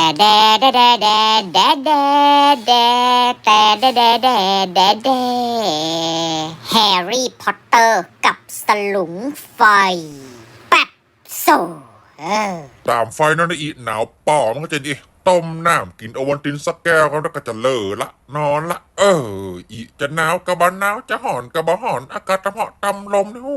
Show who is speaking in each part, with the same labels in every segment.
Speaker 1: แดแดแดแดแดแดแดแต่แดแดแดแดแดแฮร์รี่พอตเตอร์กับสลุงไฟแป๊บโซ
Speaker 2: ตามไฟนั่นนะอีหนาวป่อมันก็จะดีต้มน้ำกินโอวัลตินสักแก้วแล้วก็จะเลอละนอนละอีจะหนาวกะบะหนาวจะห่อนกะบะห่อนอากาศตะเหาะตำลมเนี่ย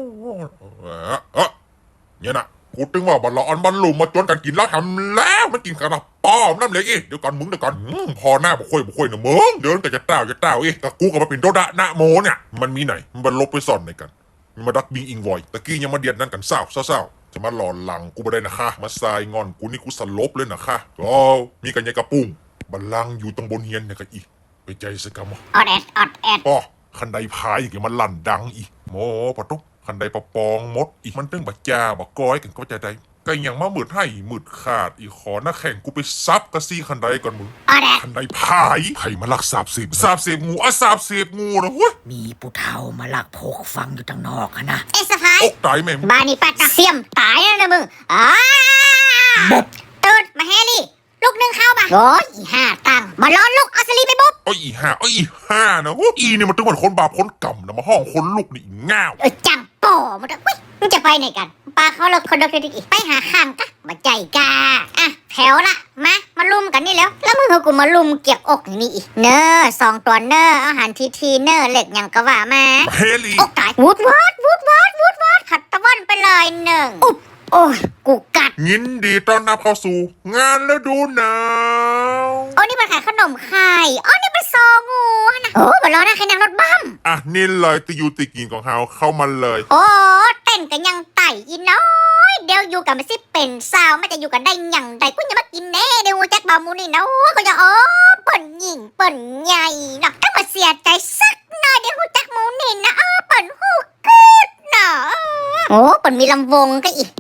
Speaker 2: เนี่ยนะกูตึงว่าบอลละออนบอลลุมมาจนกันกินแล้วทำแล้วมันกินกันละป้อมน้ำเลยเดี๋ยวก่อนมึงเดี๋ยวก่อนพอหน้าบุค่อยนะมึงเดินแต่จะเต้ากับกูกับมาเป็นโดดะนะโมเนี่ยมันมีไหนมันลบไปซ่อนในกันมาดักบิงอิงวอยตะกี้ยังมาเดียดนั่นกันเศร้าจะมาหลอนหลังกูไม่ได้นะคะมาทรายงอนกูนี่กูสลบเลยนะคะก็มีกันยังกระปุ้งบัลลังก์อยู่ตรงบนเฮียนเนี่ยกันอีกไปใจสกรรม
Speaker 1: ออดแอด
Speaker 2: ป้อคันใดพายอย่างมันลั่นดังอีกโมปะตุ๊กคันใดปะปองมดอีกมันตึ้งบักจ้าบักก้อยกันก็จะได้ก็ยังมามืดให้มืดขาดอีกขอหน้าแข่งกูไปซับกระซี่คันใดก่อนมึงคันใดพายไผ่มาลักสาบเสียบงูสาบเสียบงูนะเว้ย
Speaker 3: มีผู้เฒ่ามาลักพกฟังอยู่ทางนอกนะ
Speaker 1: เอสพาย
Speaker 2: อกตายแม่
Speaker 1: บ้านนี้ป้าจะเสียมตายแล้วนะมึง
Speaker 3: บบ
Speaker 1: ตื่นมาแฮร์รี่ลูกนึงเข้ามาโอ้ยห้าตังมาล้อนลูกเอาสลีไปบุ๊บ
Speaker 2: อีห้านะอีเนี่ยมันตึงเหมือนคนบาปคนกำนะมาห้องคนลูกนี่ง่าว
Speaker 1: จังป่อมันมึงจะไปไหนกันปลาเขาเลิกคนเดียวอีกไปหาข้างกะมาใจกาแถวละมาลุมกันนี่แล้วมึงเอากูมาลุมเกี่ยวอกนี่อีกเนอ2 ตัวเนออาหารทีเนอเหล็กอย่างกะว่ามา
Speaker 2: เฮลี่
Speaker 1: อกตายวูดวอดขัดตะวันไปเลย1อุ๊บโอ้ยกูกัด
Speaker 2: ยินดีต้อนรับเข้าสู่งานฤดูหนาว
Speaker 1: นี่มันขายขนมไข่นี่มันซองูนะมารอนะใครนั่งรถบั้ม
Speaker 2: นี่เลยติยูติกินของเฮาเข้ามาเลย
Speaker 1: เต้นกันยังไต่อีน้อยเดี๋ยวอยู่กันไม่สิเป็นสาวไม่จะอยู่กันได้ยังไงกูจะมากินแน่เดี๋ยวแจ็คบามูนี่นะก็จะเปิ่นหญิงเปิ่นใหญ่เนาะถ้ามาเสียใจสักหน่อยเดี๋ยวแจ็คมูนี่นะเปิ่นหูกึดเนาะเปิ่นมีลำวงก็อีก